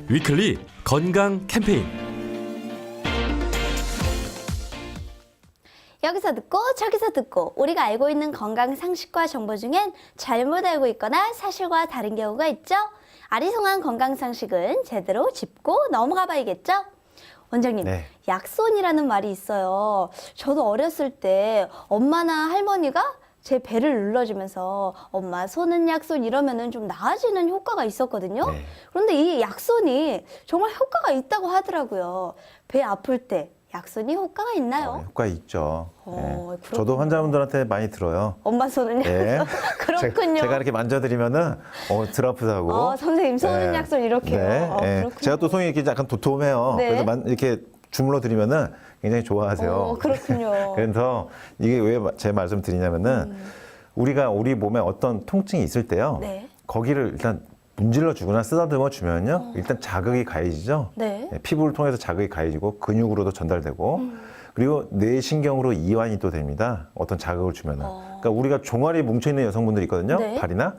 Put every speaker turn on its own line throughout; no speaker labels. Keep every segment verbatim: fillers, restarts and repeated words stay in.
위클리 건강 캠페인.
여기서 듣고 저기서 듣고 우리가 알고 있는 건강 상식과 정보 중엔 잘못 알고 있거나 사실과 다른 경우가 있죠. 아리송한 건강 상식은 제대로 짚고 넘어가 봐야겠죠. 원장님,
네.
약손이라는 말이 있어요. 저도 어렸을 때 엄마나 할머니가 제 배를 눌러주면서 엄마 손은 약손 이러면은 좀 나아지는 효과가 있었거든요.
네.
그런데 이 약손이 정말 효과가 있다고 하더라고요. 배 아플 때 약손이 효과가 있나요?
어, 효과 있죠.
어,
네.
그렇군요.
저도 환자분들한테 많이 들어요.
엄마 손은
네.
약손. 그렇군요.
제가 이렇게 만져드리면은 어, 덜 아프다고.
어, 선생님 손은
네.
약손 이렇게요.
네.
어,
네.
그렇군요.
제가 또 손이 이렇게 약간 도톰해요.
네.
그래서 만, 이렇게 주물러 드리면은 굉장히 좋아하세요.
어, 그렇군요.
그래서 이게 왜 제 말씀 드리냐면은
음.
우리가 우리 몸에 어떤 통증이 있을 때요.
네.
거기를 일단 문질러 주거나 쓰다듬어 주면요. 일단 자극이 가해지죠.
네.
네, 피부를 통해서 자극이 가해지고 근육으로도 전달되고
음.
그리고 뇌신경으로 이완이 또 됩니다. 어떤 자극을 주면은.
어.
그러니까 우리가 종아리에 뭉쳐있는 여성분들이 있거든요.
네.
발이나.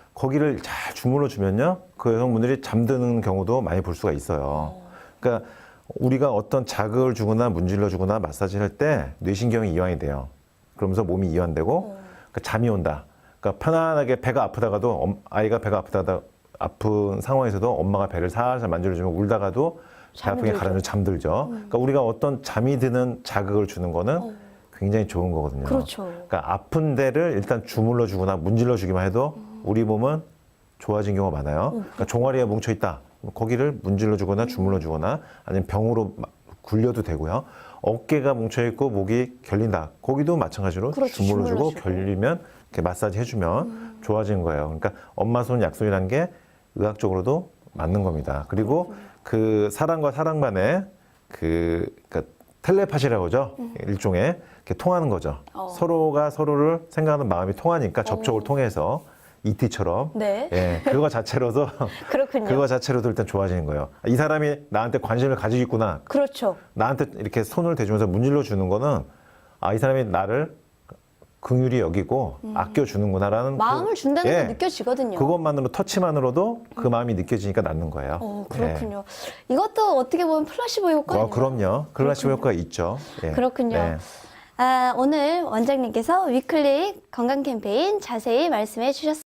거기를 잘 주물러 주면요. 그 여성분들이 잠드는 경우도 많이 볼 수가 있어요. 그러니까 우리가 어떤 자극을 주거나 문질러 주거나 마사지를 할 때 뇌신경이 이완이 돼요. 그러면서 몸이 이완되고
어.
그러니까 잠이 온다. 그러니까 편안하게 배가 아프다가도 엄- 아이가 배가 아프다가 아픈 상황에서도 엄마가 배를 살살 만져주면 울다가도 배 아픈 게
잠들죠.
가라앉아 잠들죠. 그러니까 우리가 어떤 잠이 드는 자극을 주는 거는
어.
굉장히 좋은 거거든요.
그렇죠.
그러니까 아픈 데를 일단 주물러 주거나 문질러 주기만 해도 우리 몸은 좋아진 경우가 많아요. 그러니까 종아리에 뭉쳐 있다. 거기를 문질러 주거나 주물러 주거나 아니면 병으로 마- 굴려도 되고요. 어깨가 뭉쳐 있고 목이 결린다. 거기도 마찬가지로
그렇죠.
주물러 주고
주물러주고.
결리면 이렇게 마사지 해주면 좋아지는 거예요. 그러니까 엄마 손 약손이라는 게 의학적으로도 맞는 겁니다. 그리고 그 사람과 사람 간의 그 그러니까 텔레파시라고 하죠. 일종의 이렇게 통하는 거죠.
어.
서로가 서로를 생각하는 마음이 통하니까 접촉을 통해서 이티처럼
네.
예, 그거 자체로도
그렇군요.
그거 자체로도 일단 좋아지는 거예요. 이 사람이 나한테 관심을 가지고 있구나.
그렇죠.
나한테 이렇게 손을 대주면서 문질러 주는 거는 아, 이 사람이 나를 긍휼히 여기고 아껴 주는구나라는
음. 마음을
그-
준다는
예,
게 느껴지거든요.
그것만으로 터치만으로도 그 마음이 느껴지니까 낫는 거예요.
어, 그렇군요. 이것도 어떻게 보면 플라시보
예.
효과예요.
어, 그럼요. 클라시보 효과가 있죠. 예.
그렇군요.
네.
아, 오늘 원장님께서 위클리 건강 캠페인 자세히 말씀해 주셨습니다.